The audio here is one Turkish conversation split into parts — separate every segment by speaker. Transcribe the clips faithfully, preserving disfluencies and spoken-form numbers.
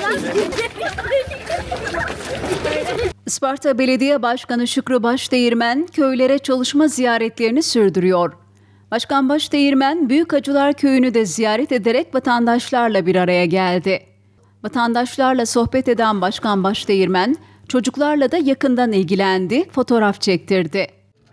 Speaker 1: Isparta Belediye Başkanı Şükrü Başdeğirmen köylere çalışma ziyaretlerini sürdürüyor. Başkan Başdeğirmen Büyükacılar Köyü'nü de ziyaret ederek vatandaşlarla bir araya geldi. Vatandaşlarla sohbet eden Başkan Başdeğirmen çocuklarla da yakından ilgilendi, fotoğraf çektirdi.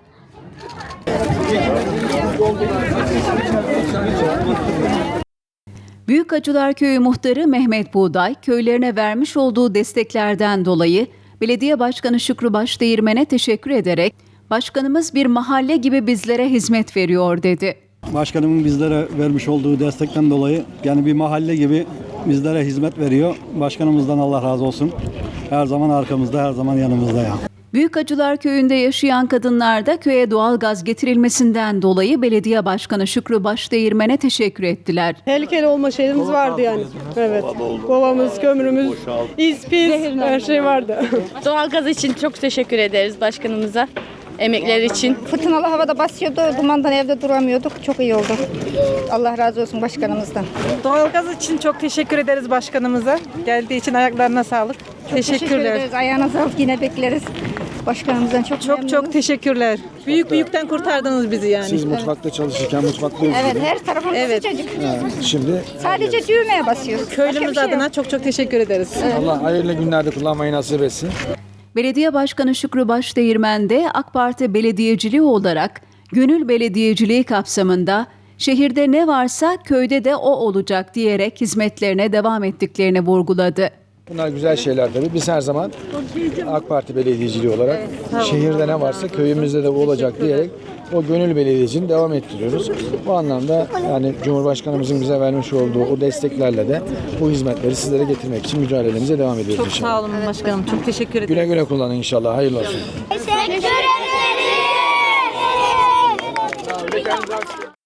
Speaker 1: Büyükacılar Köyü Muhtarı Mehmet Buğday, köylerine vermiş olduğu desteklerden dolayı Belediye Başkanı Şükrü Başdeğirmen'e teşekkür ederek, "Başkanımız bir mahalle gibi bizlere hizmet veriyor." dedi.
Speaker 2: Başkanımın bizlere vermiş olduğu destekten dolayı yani bir mahalle gibi bizlere hizmet veriyor. Başkanımızdan Allah razı olsun. Her zaman arkamızda, her zaman yanımızda ya.
Speaker 1: Büyükacılar Köyü'nde yaşayan kadınlar da köye doğalgaz getirilmesinden dolayı Belediye Başkanı Şükrü Başdeğirmen'e teşekkür ettiler.
Speaker 3: Tehlikeli olma şeyimiz vardı yani. Evet. Kovamız, kömürümüz, iz, pis, her şey vardı.
Speaker 4: Doğalgaz için çok teşekkür ederiz başkanımıza. Emekler için.
Speaker 5: Fırtınalı havada basıyordu, dumandan evde duramıyorduk. Çok iyi oldu. Allah razı olsun başkanımızdan.
Speaker 3: Doğalgaz için çok teşekkür ederiz başkanımıza. Geldiği için ayaklarına sağlık.
Speaker 5: Çok teşekkür
Speaker 3: Teşekkürler.
Speaker 5: ederiz. Ayağına sağlık, yine bekleriz. Başkanımızdan çok
Speaker 3: Çok
Speaker 5: memnunuz.
Speaker 3: çok teşekkürler. Büyük büyükten kurtardınız bizi yani.
Speaker 6: Siz mutfakta çalışırken mutfakta
Speaker 5: Evet, her tarafımız
Speaker 3: Evet.
Speaker 5: sıcacık.
Speaker 6: Şimdi
Speaker 5: Sadece düğmeye basıyoruz. Başka
Speaker 3: Köylümüz
Speaker 5: bir şey yok.
Speaker 3: adına çok çok teşekkür ederiz.
Speaker 6: Allah hayırlı günlerde kullanmayı nasip etsin.
Speaker 1: Belediye Başkanı Şükrü Başdeğirmen de AK Parti belediyeciliği olarak gönül belediyeciliği kapsamında şehirde ne varsa köyde de o olacak diyerek hizmetlerine devam ettiklerini vurguladı.
Speaker 6: Bunlar güzel şeyler tabii. Biz her zaman AK Parti belediyeciliği olarak şehirde ne varsa köyümüzde de bu olacak diyerek o gönül belediyeciliğini devam ettiriyoruz. Bu anlamda yani Cumhurbaşkanımızın bize vermiş olduğu o desteklerle de bu hizmetleri sizlere getirmek için mücadelemize devam ediyoruz
Speaker 3: Çok
Speaker 6: inşallah.
Speaker 3: sağ olun başkanım. Çok teşekkür ederim.
Speaker 6: Güle güle kullanın inşallah. Hayırlı olsun.
Speaker 7: Teşekkür ederim.